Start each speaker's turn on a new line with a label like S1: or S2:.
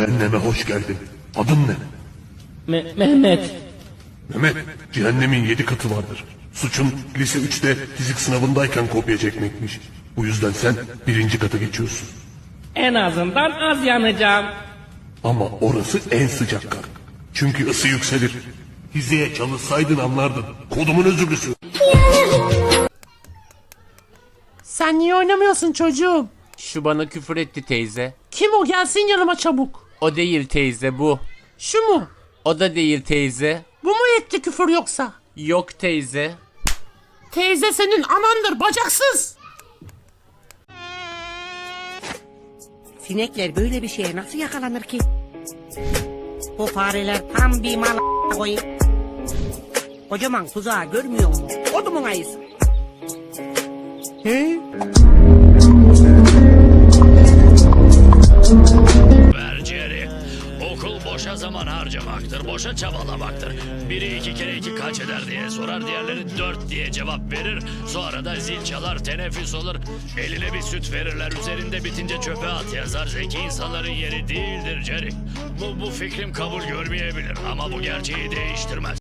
S1: Cehenneme hoş geldin. Adın ne?
S2: Mehmet.
S1: Mehmet, cehennemin 7 katı vardır. Suçun lise 3'te fizik sınavındayken kopya çekmekmiş. Bu yüzden sen 1. kata geçiyorsun.
S2: En azından az yanacağım.
S1: Ama orası en sıcak kat. Çünkü ısı yükselir. Hizeye çalışsaydın anlardın. Kodumun özürlüsü.
S3: Sen niye oynamıyorsun çocuğum?
S4: Şu bana küfür etti teyze.
S3: Kim o, gelsin yanıma çabuk.
S4: O değil teyze, bu.
S3: Şu mu?
S4: O da değil teyze.
S3: Bu mu etti küfür yoksa?
S4: Yok teyze.
S3: Teyze senin anandır bacaksız.
S5: Sinekler böyle bir şeye nasıl yakalanır ki? Bu fareler tam bir mal koyayım. Kocaman tuzağı görmüyor musun? Odumun ayısı.
S6: Berceri. Okul boşa zaman harcamaktır, boşa çabalamaktır. Biri 2 kere 2 kaç eder diye sorar, diğerleri 4 diye cevap verir. Sonra da zil çalar, teneffüs olur. Eline bir süt verirler, üzerinde bitince çöpe at yazar. Zeki insanların yeri değildir Jerry. Bu fikrim kabul görmeyebilir ama bu gerçeği değiştirmez.